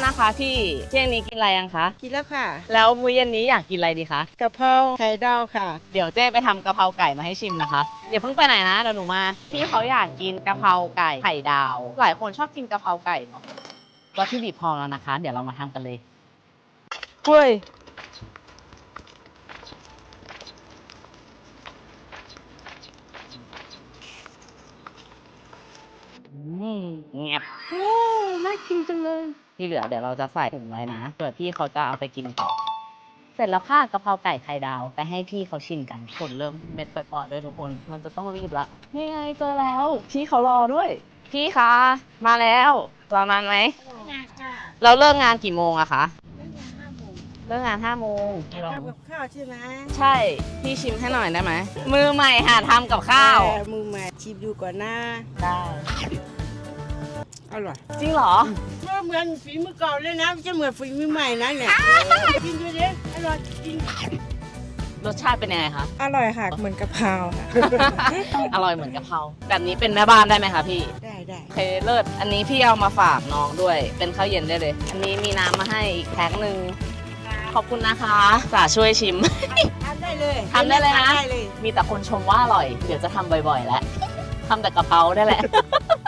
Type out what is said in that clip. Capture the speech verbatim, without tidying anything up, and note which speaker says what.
Speaker 1: นะคะพี่เที่ยงนี้กินอะไรยังคะ
Speaker 2: กินแล้วค่ะ
Speaker 1: แล้วมื้อเย็นนี้อยากกินอะไรดีคะ
Speaker 2: กะเพราไข่ดาวค่ะ
Speaker 1: เดี๋ยวเจ๊ไปทำกะเพราไก่มาให้ชิมนะคะเดี๋ยวเพิ่งไปไหนนะเดี๋ยวหนูมาพี่เขาอยากกินกะเพราไก่ไข่ดาว หลายคนชอบกินกะเพราไก่เนาะวัตถุดิบพร้อมแล้วนะคะ เดี๋ยวเรามาทำกันเลยเฮ้ยอืมเงียบโอ้น่ากินจังเลยที่เหลือเดี๋ยวเราจะใส่ถุงไว้นะเผื่อพี่เขาจะเอาไปกินต่อเสร็จแล้วค่ะกะเพราไก่ไข่ดาวไปให้พี่เขาชิมกันผลเริ่มเม็ดปอดๆด้วยทุกคนมันจะต้องรีบละนี่ไงเจอแล้วพี่เขารอด้วย พี่คะมาแล้วรอนานไหมเราเลิกงานกี่โมงอะคะเลิกงานห้าโมง
Speaker 2: ทำกับข้าวใช่ไหม
Speaker 1: ใช่พี่ชิมให้หน่อยได้ไหมมือใหม่หาทำกับข้าว
Speaker 2: เออมือใหม่ชิมดูก่อนนะ
Speaker 1: ได้
Speaker 2: อร่อย
Speaker 1: จริงเหรอ
Speaker 2: ก็เหมือนฝีมือเก่าเลยนะไม่ใช่เหมือนฝีมือใหม่นะเนี่ยกินดูดิอร่อยจริง
Speaker 1: รสชาติเป็นยังไงคะ
Speaker 2: อร่อยค่ะเหมือนกะเพราค่ะ
Speaker 1: อร่อยเหมือนกะเพราแบบนี้เป็นแม่บ้านได้ไหมคะพี่
Speaker 2: ได้ได้
Speaker 1: โอเคเลิศอันนี้พี่เอามาฝากน้องด้วย เป็นข้าวเย็นได้เลย อันนี้มีน้ำมาให้อีกแพ็คหนึ่งขอบคุณนะคะสาช่วยชิม
Speaker 2: ทำได้เลย
Speaker 1: ทำได้เลยนะ
Speaker 2: ได้เลย
Speaker 1: มีแต่คนชมว่าอร่อย เดี๋ยวจะทำบ่อยๆแล้วทำแต่กะเพราได้แหละ